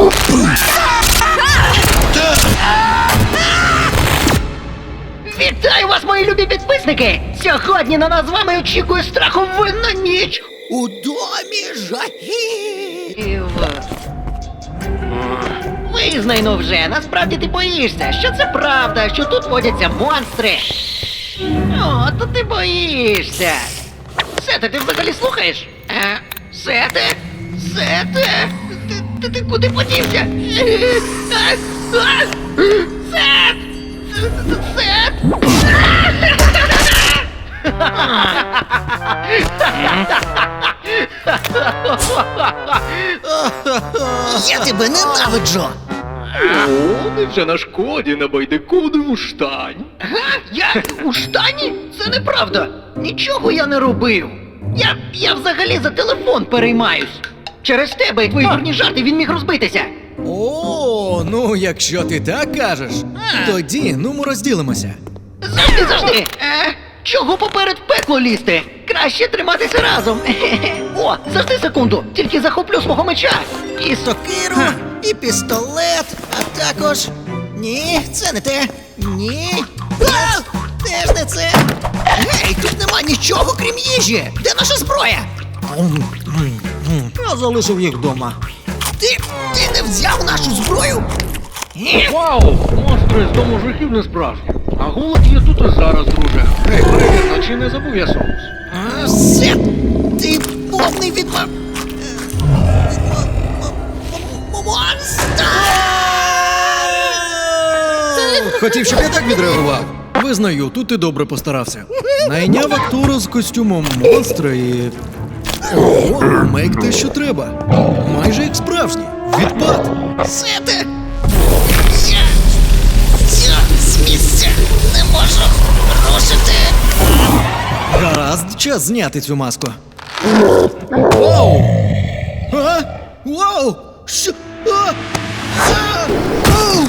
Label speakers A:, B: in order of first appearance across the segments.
A: Вітаю вас, мої любі підписники! Сьогодні на нас з вами очікує страховинна ніч!
B: У домі жахів!
A: Визнай, ну вже, насправді ти боїшся, що це правда, що тут водяться монстри. О, то ти боїшся. Сете, ти взагалі слухаєш? Сете? Сете? Ти куди подівся? Сет! Сет!
B: Я тебе ненавиджу!
C: О, невже на шкоді на байдикудову штань?
A: Я у штані? Це неправда. Нічого я не робив. Я взагалі за телефон переймаюсь. Через тебе і твої дурні жарти він міг розбитися.
D: О, ну якщо ти так кажеш, тоді ну ми розділимося.
A: Завжди! Чого поперед в пекло лізти? Краще триматися разом. О, завжди секунду, тільки захоплю свого меча.
B: І сокиру, і пістолет, а також... Ні, це не те. Ні. Теж не це. Гей, тут нема нічого, крім їжі. Де наша зброя?
D: Я залишив їх вдома.
B: Ти не взяв нашу зброю?
C: Вау! Монстри з дому жахів не справжні. А голод є тут і зараз, друже. Гей, перевірно, чи не забув я соус?
B: Сет, ти повний відма... Монстр!
D: Хотів, щоб я так відреагував. Визнаю, тут ти добре постарався. Найняв актора з костюмом монстра і... Ого, мейк те, що треба. Майже як справжній. Відпад.
B: Сете! Я з місця не можу рушити.
D: Гаразд, час зняти цю маску. Вау! А? Вау! Що? А? А? Ау!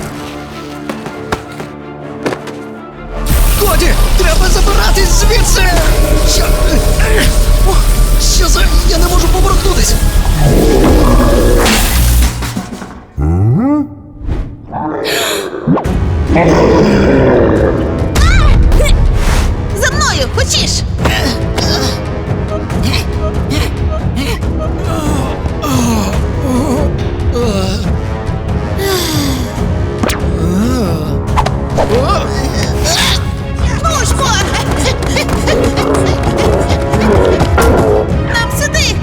B: Коді, треба забиратись звідси! Що за... Я не можу поворухнутись!
E: За мною, хочеш? Ножко! Нам сюди!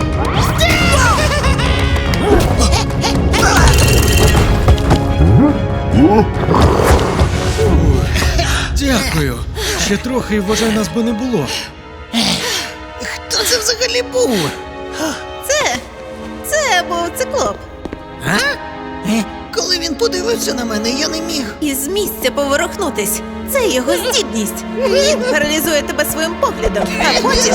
D: Дякую. Ще трохи, і, вважай, нас би не було.
B: Хто це взагалі був?
E: Це був циклоп.
B: Коли він подивився на мене, я не міг.
E: Із місця поворухнутись. Це його здібність. Він паралізує тебе своїм поглядом, а потім...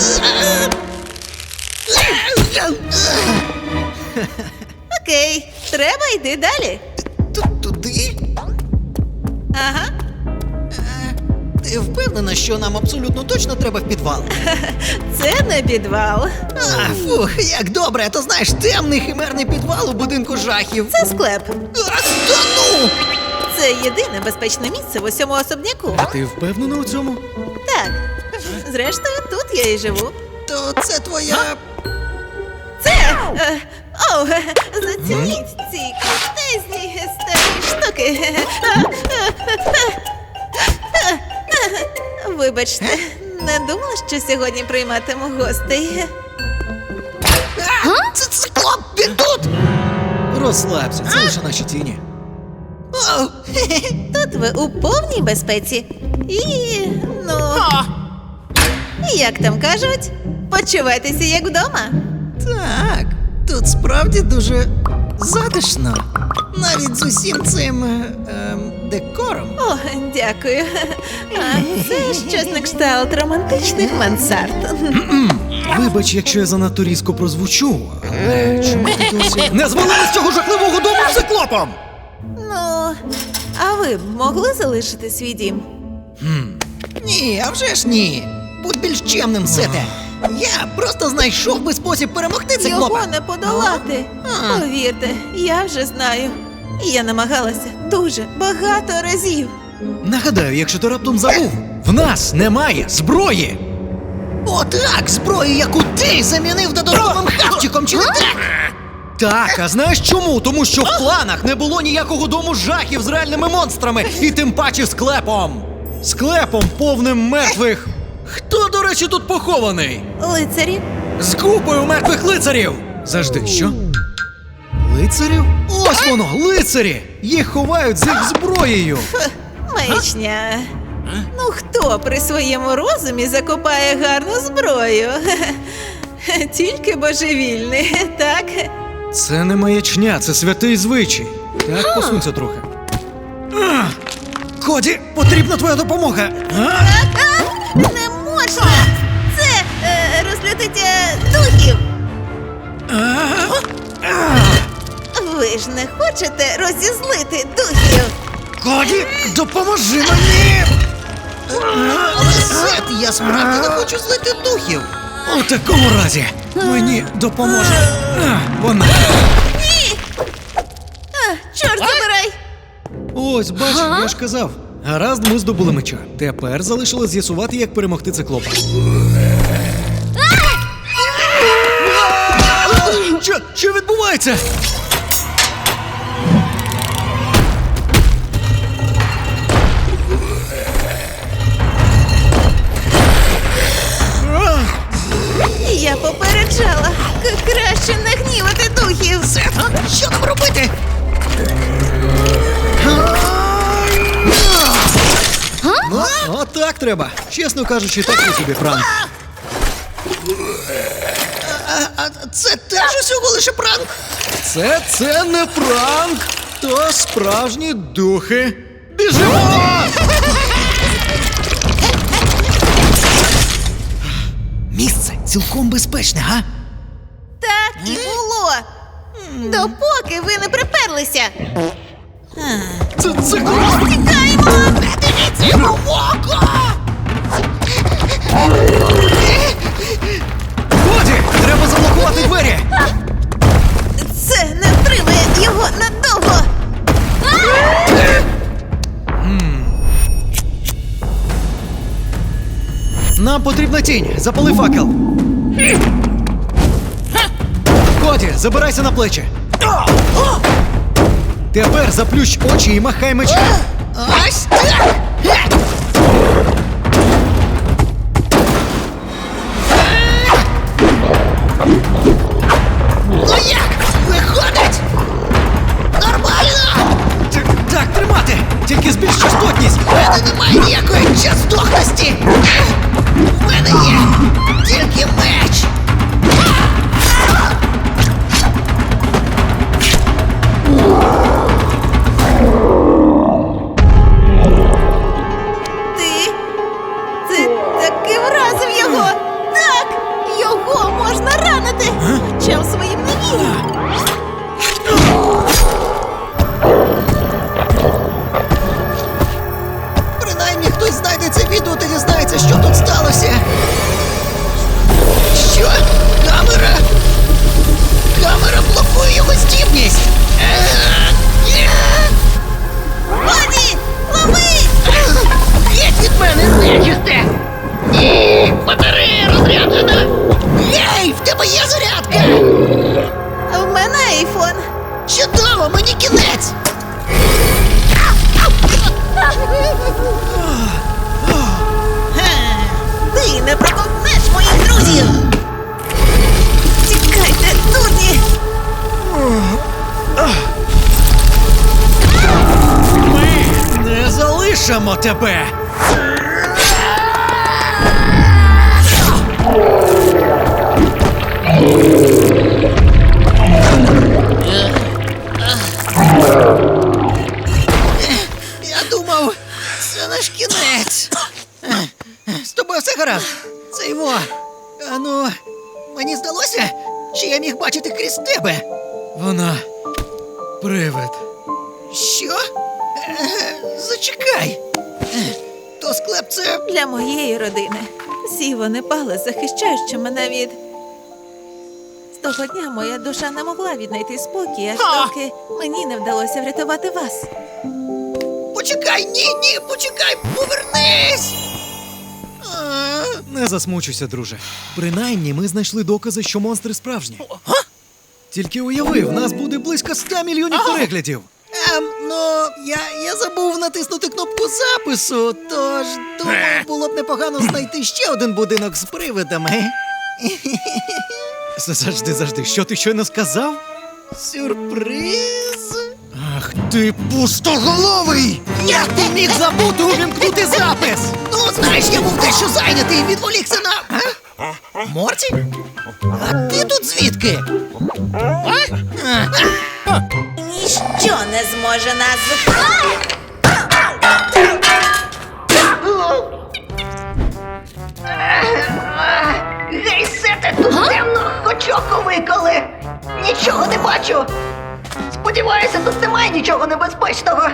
E: Окей, треба йти далі.
B: Туди?
E: Ага.
B: Ти впевнена, що нам абсолютно точно треба в підвал?
E: Це не підвал.
B: Фух, як добре, то знаєш, темний химерний підвал у будинку жахів.
E: Це склеп.
B: Та ну!
E: Це єдине безпечне місце в усьому особняку.
D: А ти впевнена у цьому?
E: Так. Зрештою, тут я і живу.
B: То це твоя...
E: Це. Зацініть ці крутезні старі штуки. Вибачте, не думала, що сьогодні прийматиму гостей.
B: Це циклоп, він тут!
D: Розслабся, це лише наші тіні.
B: О,
E: Тут ви у повній безпеці. І, ну, як там кажуть, почувайтеся як вдома.
B: так, тут справді дуже затишно. Навіть з усім цим декором.
E: О, дякую. А це щось на кшталт романтичних мансард.
D: Вибач, якщо я занадто різко прозвучу, але чому ти досі... Не звалили з цього жахливого дому циклопом!
E: Ну, а ви б могли залишити свій дім?
B: Ні, а вже ж ні. Будь більш чемним, Сете. Я просто знайшов би спосіб перемогти циклопа.
E: Його не подолати.
B: А.
E: Повірте, я вже знаю. Я намагалася дуже багато разів.
D: Нагадаю, якщо ти раптом забув, в нас немає зброї!
B: О, так, зброю, яку ти замінив додатковим хавчиком, чи не так?
D: Так, а знаєш чому? Тому що в планах не було ніякого дому жахів з реальними монстрами, і тим паче склепом. Склепом повним мертвих. Хто, до речі, тут похований?
E: Лицарі,
D: З купою мертвих лицарів! Завжди, що? Лицарів? Ось воно, лицарі! Їх ховають з їх зброєю.
E: маячня. Ну хто при своєму розумі закопає гарну зброю? Тільки божевільний, так?
D: Це не маячня, це святий звичай. Так, посунься трохи. Коді, потрібна твоя допомога.
E: Не можна! Це розлютить духів. Ви ж не хочете розізлити духів?
D: Коді, допоможи мені!
B: Але Сет, я справді не хочу злити духів.
D: У такому разі мені допоможе вона.
E: Ні! Чорт забирай!
D: Ось, бач, я ж казав. Гаразд, ми здобули меча. Тепер залишилось з'ясувати, як перемогти циклопа. Що відбувається?
E: Я попереджала. Краще не гнівати духів.
B: Сет, що нам робити?
D: Отак треба. Чесно кажучи, такий собі пранк.
B: А це теж усього лише пранк?
D: Це не пранк, то справжні духи. Біжимо!
B: Місце цілком безпечне, га?
E: Так і було. Допоки ви не приперлися.
D: Це
E: Тікаємо!
B: Дивіться йому в око!
D: Годі! Треба заблокувати двері!
E: Це не втримає його надовго.
D: Нам потрібна тінь. Запали факел. Коді, забирайся на плечі. Тепер заплющ очі і махай мечем.
B: Ось так! Ну як? Виходить? Нормально!
D: Так, тримати! Тільки збільш частотність!
B: У мене немає ніякої частотності! У мене є тільки меч!
E: Ти таки вразив його. Так, його можна ранити. Хоча своїм не вірю.
B: Принаймні хтось знайде це відео та дізнається, що тут сталося. Що? Камера? Камера блокує його здібність!
E: Коді, лови!
B: Геть від мене!
A: Нечисте! Ні! Батарея розряджена!
B: Гей, в тебе є зарядка!
E: В мене айфон.
B: Чудово, мені кінець!
E: Ти не проковтнеш моїх друзів. Тікайте, дурні!
D: Ми не залишимо тебе!
B: Я думав, це наш кінець. З тобою все гаразд. Це його. Ну, мені здалося, що я міг бачити крізь тебе.
D: Вона привид.
B: Що? Зачекай. То склеп це.
E: Для моєї родини всі вони пали, захищаючи мене від Того дня моя душа не могла віднайти спокій, аж доки мені не вдалося врятувати вас.
B: Почекай, ні, почекай, повернись!
D: Не засмучуйся, друже. Принаймні, ми знайшли докази, що монстри справжні. Тільки уяви, в нас буде близько 100 мільйонів переглядів.
B: Ну, я забув натиснути кнопку запису, тож думаю, було б непогано знайти ще один будинок з привидами.
D: Завжди, що ти щойно сказав?
B: Сюрприз!
D: Ах ти пустоголовий!
B: Як ти міг забути увімкнути запис? Ну, знаєш, я був дещо зайнятий і відволікся на... Морті? А ти тут звідки?
E: Ніщо не зможе нас зупинити.
A: Гей, Сете, тут темно, очоко виколи. Нічого не бачу. Сподіваюся, тут немає нічого небезпечного.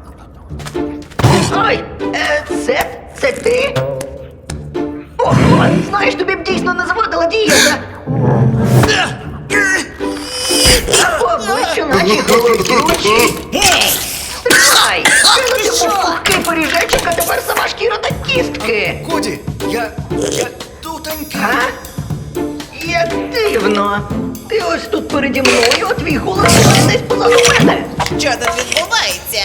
A: Ой, Сет, це ти? Ого, знаєш, тобі б дійсно не завадила дієта. По обличчю наче голубі очі. Гей, стривай! Ти був пухкий поріжечок, а тепер сама шкіра та кістки.
B: Коді, я тутенький.
A: А? Як дивно. Ти ось тут переді мною, а твій голос десь позаду мене.
E: Що тут відбувається?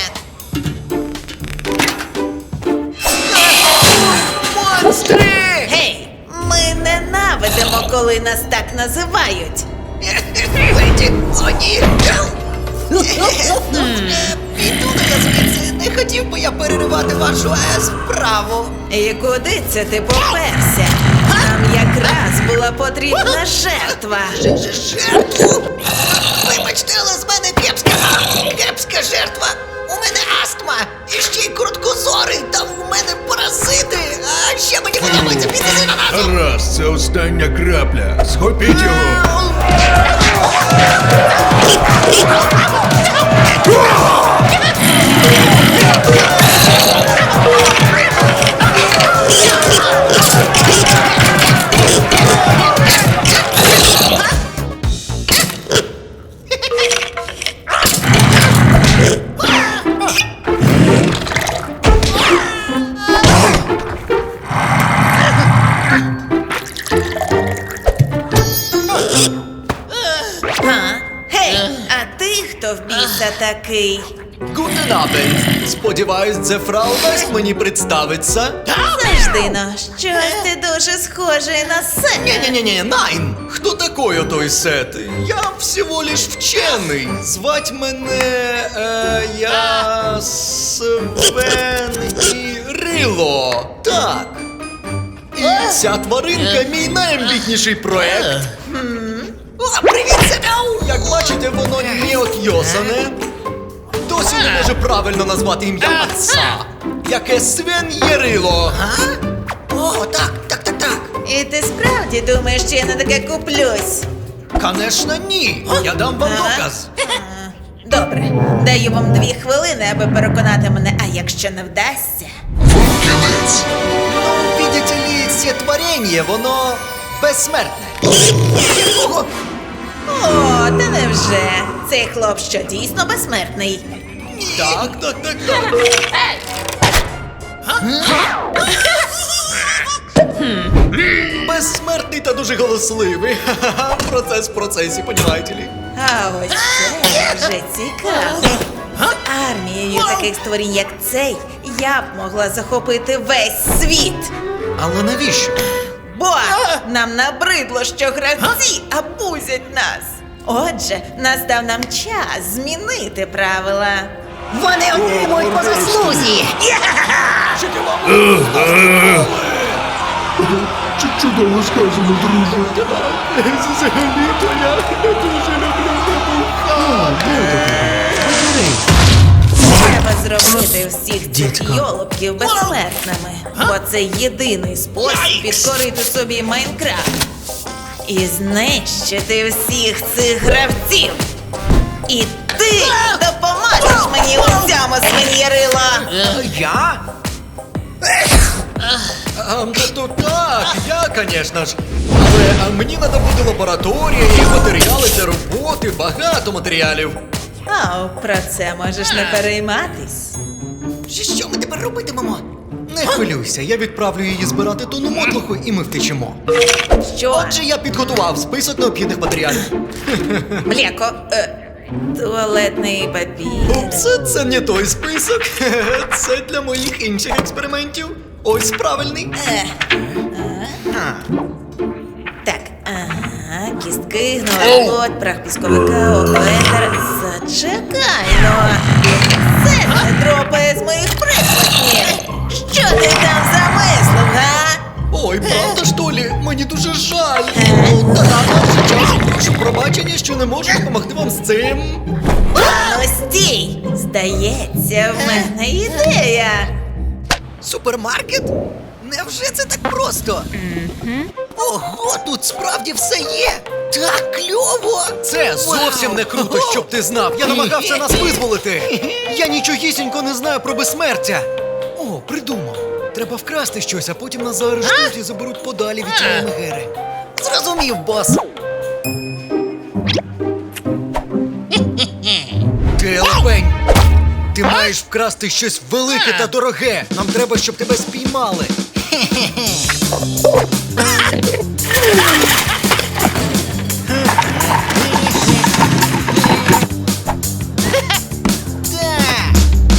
B: Монстри!
E: Гей, ми ненавидимо, коли нас так називають.
B: Леді, о ні! Піду я звідси, не хотів би я переривати вашу справу.
E: І куди це ти поперся? Нам якраз була потрібна жертва.
B: Жертву? Вибачте, але з мене кепська жертва. У мене астма, і ще й короткозорий, там у мене паразити, а ще мені подобається піти з ананасом.
F: Раз, це остання крапля. Схопіть його.
E: Гей, а ти хто в біса такий?
D: Гутен Абенд. Сподіваюсь, це фрау дасть мені представиться.
E: Завжди, но, щось ти дуже схожий на себе.
D: Не-не-не, Найн! Хто такой отой Сет? Я всего лиш вчений. Звать мене, я Свен і Рило. Так. І ця тваринка мій найамбітніший проект.
B: О, привіт, Сетау!
D: Як бачите, воно не отйосане. Досі не може правильно назвати ім'я отца. Яке Свен є Рило.
B: О, так.
E: І ти справді думаєш, що я на таке куплюсь?
D: Конечно, ні. Я дам вам доказ.
E: Добре, даю вам 2 хвилини, аби переконати мене, а якщо не вдасться.
D: Ну, видите ли, це творіння, воно безсмертне.
B: Якого?
E: О, та невже? Цей хлоп що дійсно безсмертний?
D: Так. Безсмертний та дуже голосливий. Ха-ха-ха, процес в процесі, понімаєте ли?
E: А ось це вже цікаво. З армією таких створінь, як цей, я б могла захопити весь світ.
D: Але навіщо?
E: Бо нам набридло, що гравці абузять нас. Отже, настав нам час змінити правила.
A: Вони отримують по заслузі.
F: Чудово сказано, друже.
D: Взагалі-то я дуже люблю
E: Треба зробити всіх цих йолопків безсмертними, бо це єдиний спосіб підкорити собі Майнкрафт і знищити всіх цих гравців. І ти допоможеш мені у цьому, свиньярила.
B: Я?
D: Тобто так, я, звісно ж. Але мені треба буде лабораторія і матеріали для роботи, багато матеріалів.
E: Про це можеш не перейматись.
B: Що ми тепер робитимемо?
D: Не хвилюйся, я відправлю її збирати тонну мотлуху і ми втечемо.
E: Що?
D: Отже, я підготував список необхідних матеріалів.
E: Млеко, туалетний папір.
D: Упс, це не той список. Це для моїх інших експериментів. Ось правильний.
E: Так, кістки, гнилий плод, прах пісковика, оклетер. Зачекай, ну. Це не дропає з моїх прикладів. Що ти там замислив, га?
D: Ой, правда, що лі? Мені дуже жаль. Ну, та вже час. Прошу пробачення, що не можу допомогти вам з цим.
E: Ну стій! Здається, в мене ідея.
B: Супермаркет? Невже це так просто? Ого, тут справді все є! Так кльово!
D: Це зовсім не круто, щоб ти знав. Я намагався нас визволити. Я нічогісінько не знаю про безсмертя. О, придумав. Треба вкрасти щось, а потім нас заарештують і заберуть подалі від цієї мегери.
B: Зрозумів, бос!
D: Ти лапень! Ти маєш вкрасти щось велике та дороге. Нам треба, щоб тебе спіймали.
B: Так!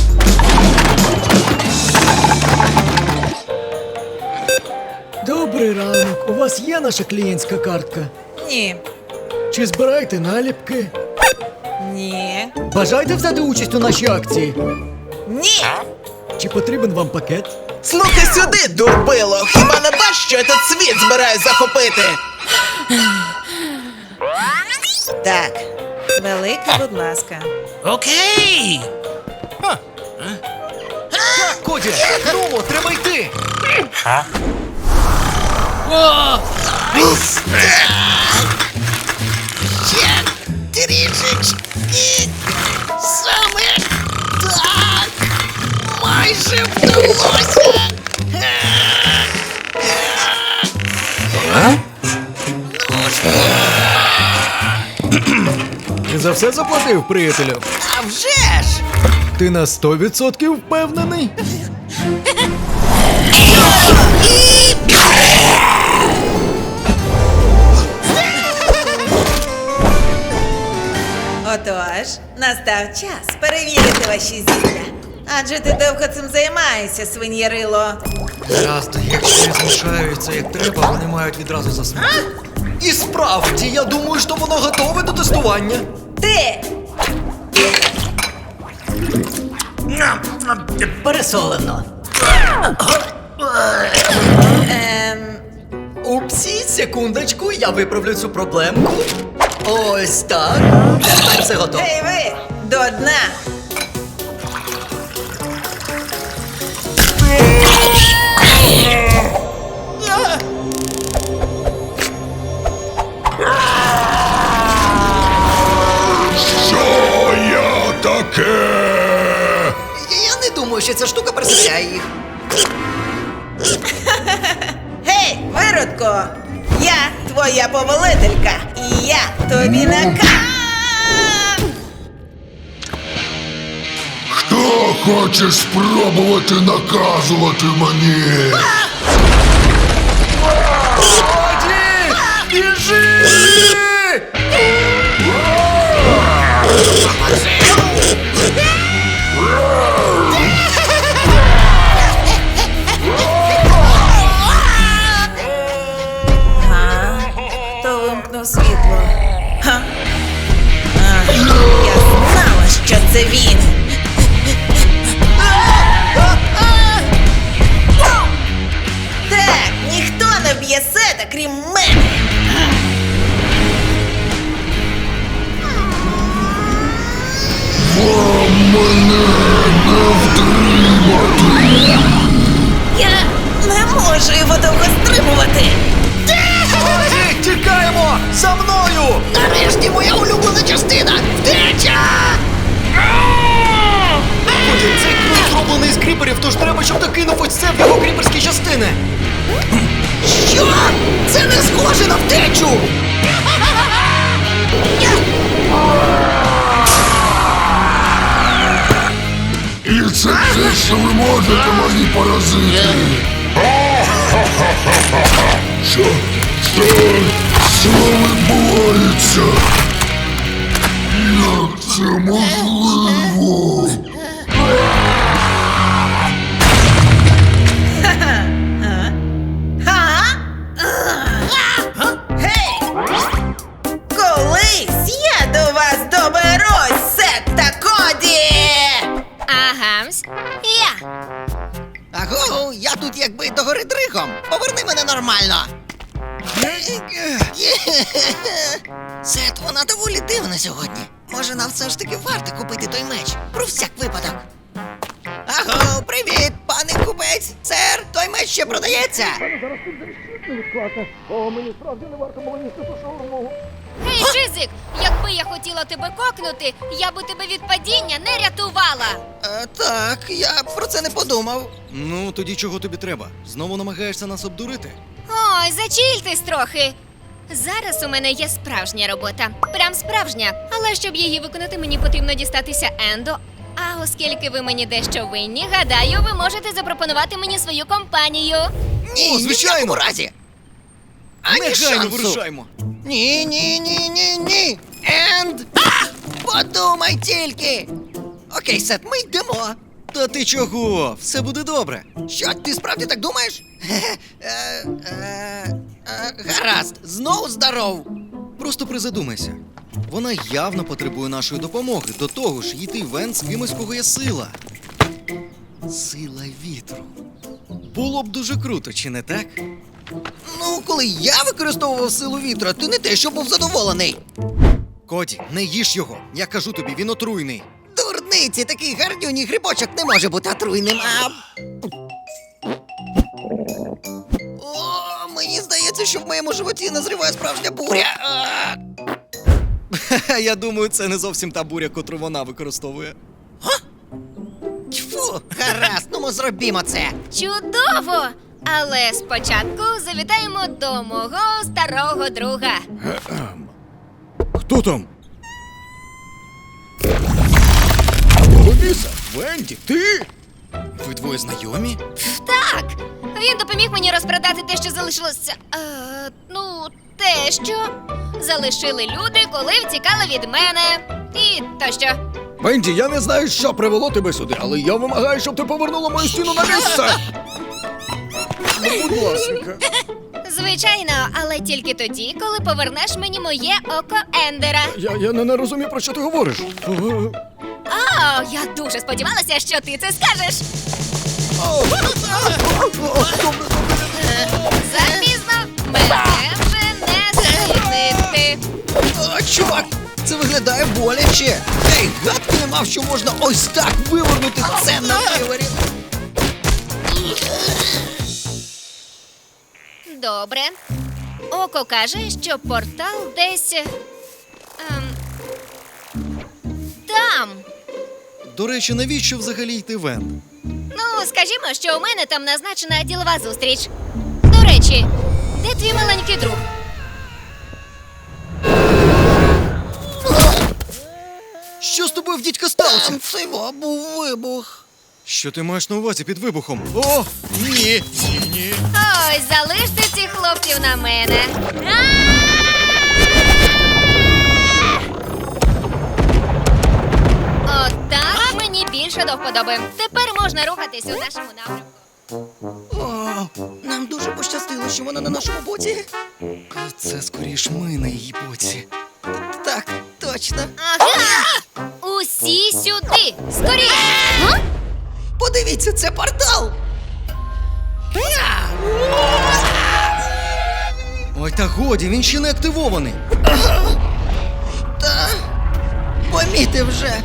D: Добрий ранок. У вас є наша клієнтська картка?
E: Ні.
D: Чи збираєте наліпки?
E: Ні.
D: Бажаєте взяти участь у нашій акції?
E: Ні.
D: Чи потрібен вам пакет?
G: Слухай сюди, дурбило! Хіба не бачиш, що этот світ збирає захопити?
E: Так. Велике, будь ласка.
G: Окей!
D: Так, Коді! Ну, треба йти!
B: Ще трішечки! Саме так! Майже вдалося!
D: Ти за все заплатив, приятелю?
B: А вже ж!
D: Ти на 100% впевнений?
E: Отож, настав час перевірити ваші зілля. Адже ти довго цим займаєшся, свиньєрило.
D: Гаразд, якщо не змішаються як треба, вони мають відразу заснути. І справді, я думаю, що воно готове до тестування.
E: Ти!
B: Пересолено.
D: Упсі, секундочку, я виправлю цю проблемку. Ось так. Тепер все готово.
E: Ей ви! До дна!
F: Що я таке?
B: Я не думаю, що ця штука переселяє їх.
E: Гей, виродко! Я твоя повелителька, і я тобі
F: Хто хоче спробувати наказувати мені?
D: Коді! Біжи!
E: Хто вимкнув світло? Ха? Я знала, що це він. Так, ніхто не б'є сета, крім мене.
F: Мене не втримати.
E: Я не можу його довго стримувати.
D: Коді, тікаємо! За мною!
B: Нарешті моя улюблена частина! Втеча!
D: Коді, цей ключ зроблений з кріп кріперів, тож треба, щоб ти кинув ось це в його кріперські частини.
B: Що? Це не схоже на втечу!
F: І це все, що ви можете, мої паразити. Що? Що відбувається? Як це можливо?
E: Гей! Колись я до вас доберусь, Сет та Коді!
H: Агамс. Я.
B: Аго, я тут якби догори дригом. Поверни мене нормально. Сет, вона доволі дивна сьогодні. Може, нам все ж таки варто купити той меч? Про всяк випадок. Аго, привіт, пане купець. Сер, той меч ще продається.
H: Гей, Шизик, якби я хотіла тебе кокнути, я би тебе від падіння не рятувала.
B: Так, я про це не подумав.
D: Ну, тоді чого тобі треба? Знову намагаєшся нас обдурити?
H: Ой, зачільтесь трохи. Зараз у мене є справжня робота. Прям справжня. Але щоб її виконати, мені потрібно дістатися Ендо. А оскільки ви мені дещо винні, гадаю, ви можете запропонувати мені свою компанію.
B: Ні,
D: О,
B: ні в
D: звичайно.
B: якому разі. Ані
D: Негайно
B: шансу.
D: вирушаймо.
B: Ні. Енд! Подумай тільки. Окей, Сет, ми йдемо.
D: Та ти чого? Все буде добре.
B: Що, ти справді так думаєш? Гаразд, знову здоров.
D: Просто призадумайся. Вона явно потребує нашої допомоги. До того ж, йти в Енд з кимось, кого є сила. Сила вітру. Було б дуже круто, чи не так?
B: Ну, коли я використовував силу вітра, ти не те, що був задоволений.
D: Коді, не їж його. Я кажу тобі, він отруйний.
B: Дурниці, такий гарнюній грибочок не може бути отруйним, а... О, мені здається, що в моєму животі назріває справжня буря.
D: Я думаю, це не зовсім та буря, котру вона використовує.
B: Тьфу, гаразд, ну ми зробімо це.
H: Чудово! Але спочатку завітаємо до мого старого друга.
D: Хто там?
F: Ловіса, Венді, ти?
D: Ви двоє знайомі?
H: Так, він допоміг мені розпродати те, що залишилося. Те, що залишили люди, коли втікали від мене. І тощо.
F: Венді, я не знаю, що привело тебе сюди, але я вимагаю, щоб ти повернула мою стіну на місце. Ну, будь ласка.
H: Звичайно, але тільки тоді, коли повернеш мені моє око Ендера.
F: Я не розумію, про що ти говориш.
H: О, я дуже сподівалася, що ти це скажеш. Запізно, мене вже не звільнити.
B: О, чувак, це виглядає боляче. Ей, гадки не мав, що можна ось так вивернути це на виворі.
H: Добре. Око каже, що портал десь. Там.
D: До речі, навіщо взагалі йти в Енд?
H: Ну, скажімо, що у мене там назначена ділова зустріч. До речі, де твій маленький друг?
D: Що з тобою в дідька сталося?
B: Це був вибух.
D: Що ти маєш на увазі під вибухом? О, ні! Ні.
H: Ой, залиште цих хлопців на мене. Отак мені більше до вподоби. Тепер можна рухатись у нашому напрямку.
B: О, нам дуже пощастило, що вона на нашому боці.
D: Це скоріш ми на її боці.
B: Так, точно.
H: Ага! Усі сюди! Скоріше! Га?
B: Подивіться, це портал.
D: Ой, та годі, він ще не активований.
B: Та помітив вже.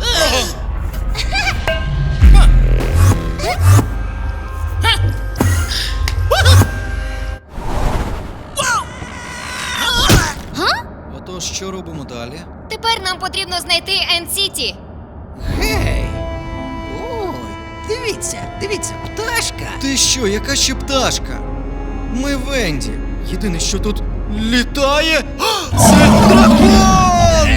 D: Отож, що робимо далі?
H: Тепер нам потрібно знайти Енд-Сіті.
B: Гей! Ой, Дивіться, пташка.
D: Ти що, яка ще пташка? Ми Венді. Єдине, що тут літає. А, це дракон!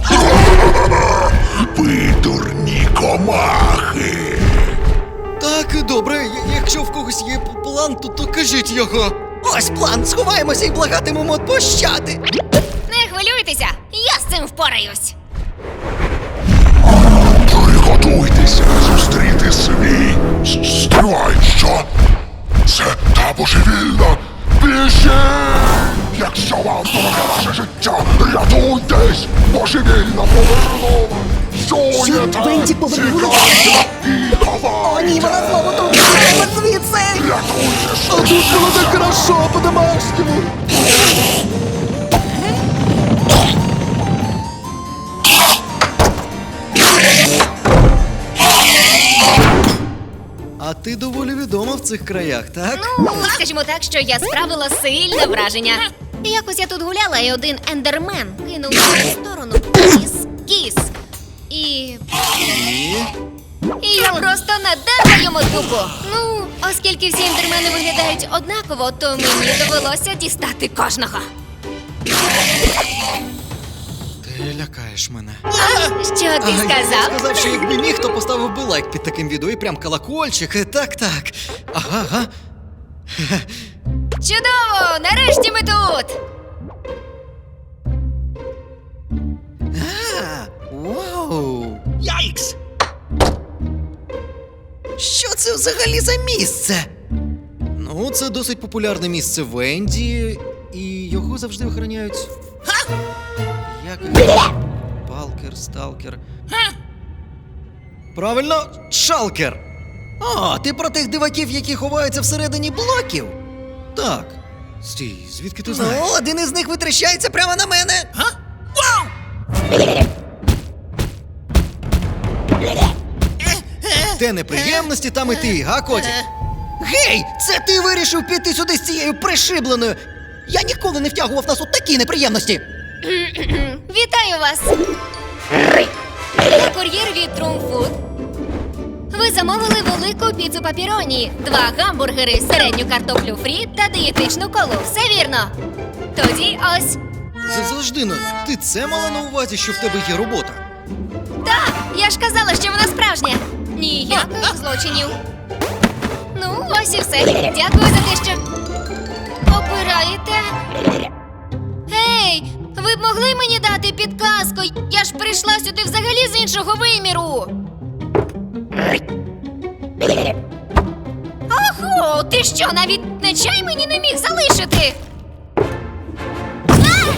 I: Ви дурні комахи!
D: Так, добре, якщо в когось є план, то кажіть його.
B: Ось план, сховаємося і благатимемо пощади.
H: Не хвилюйтеся, я з цим впораюсь.
I: Приготуйтеся зустріти свій. Стривай, що? Це та божевільна біжи! Якщо вам дороге ваше життя, рятуйтесь! Божевільна повернула! Чуєте?
B: Венді повернула?
I: Тікайте і ховайтеся!
B: О, ні, вона знову тут. Тікаємо звідси.
I: Рятуйтесь!
F: А тут було так хорошо по-домашньому.
D: А ти доволі відома в цих краях, так?
H: Ну, скажімо так, що я справила сильне враження. Якось я тут гуляла, і один ендермен кинув в мою сторону кіс. І я просто надерла йому дупу. Ну, оскільки всі ендермени виглядають однаково, то мені довелося дістати кожного.
D: Ти лякаєш мене.
H: Що ти
D: Я
H: сказав?
D: сказав, що якби міг, то поставив би лайк під таким відео і прям колокольчик. Так. Ага.
H: Чудово! Нарешті ми тут!
D: Вау!
B: Яйкс! Що це взагалі за місце?
D: Ну, це досить популярне місце Венді, і його завжди охороняють. Як Палкер, сталкер. Правильно, шалкер.
B: О, ти про тих диваків, які ховаються всередині блоків?
D: Так. Стій, звідки ти знаєш?
B: Ну, один із них витріщається прямо на мене.
D: Де неприємності, там і ти, га, котик?
B: Гей, це ти вирішив піти сюди з цією пришибленою. Я ніколи не втягував нас у такі неприємності.
H: Вітаю вас! Я кур'єр від Трумфуд. Ви замовили велику піцу папіроні, 2 гамбургери, середню картоплю фрі та дієтичну колу. Все вірно? Тоді ось.
D: Завжди, ну, ти це мала на увазі, що в тебе є робота?
H: Так, я ж казала, що вона справжня. Ніяких злочинів. Ну, ось і все. Дякую за те, що обираєте. Гей, ви б могли мені дати підказку? Я ж прийшла сюди взагалі з іншого виміру. Охо, ти що, навіть не чай мені не міг залишити? А!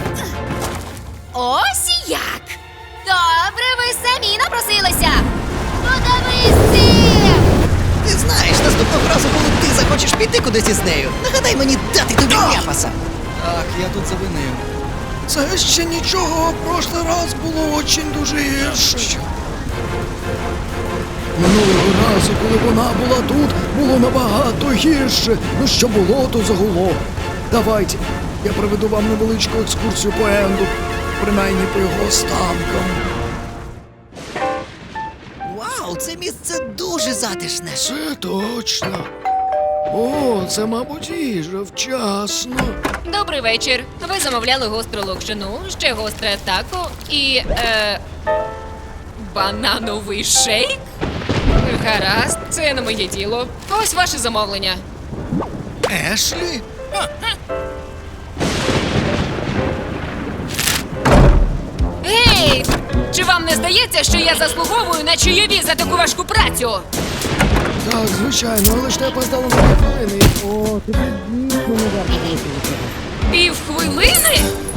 H: Ось як. Добре, ви самі напросилися. Подивись цим!
B: Ти знаєш, наступного разу, коли ти захочеш піти кудись із нею, нагадай мені дати тобі ляпаса.
D: Так, я тут завинив.
F: Це ще нічого, в прошлий раз було очень дуже гірше.
D: Що?
F: Минулого разу, коли вона була тут, було набагато гірше. Ну що було, то загуло. Давайте, я проведу вам невеличку екскурсію по Енду, принаймні по його останкам.
B: Вау, це місце дуже затишне.
F: Це точно. О, це, мабуть, їжа вчасно.
H: Добрий вечір. Ви замовляли гостру локшину, ще гостре тако і банановий шейк? Гаразд, це не моє діло. Ось ваше замовлення.
D: Ешлі?
H: Гей! Чи вам не здається, що я заслуговую на чайові за таку важку працю?
F: Так, звичайно, але ж ти опоздала на 2 хвилини. О, тобі дійсно не варто було цього.
H: Півхвилини?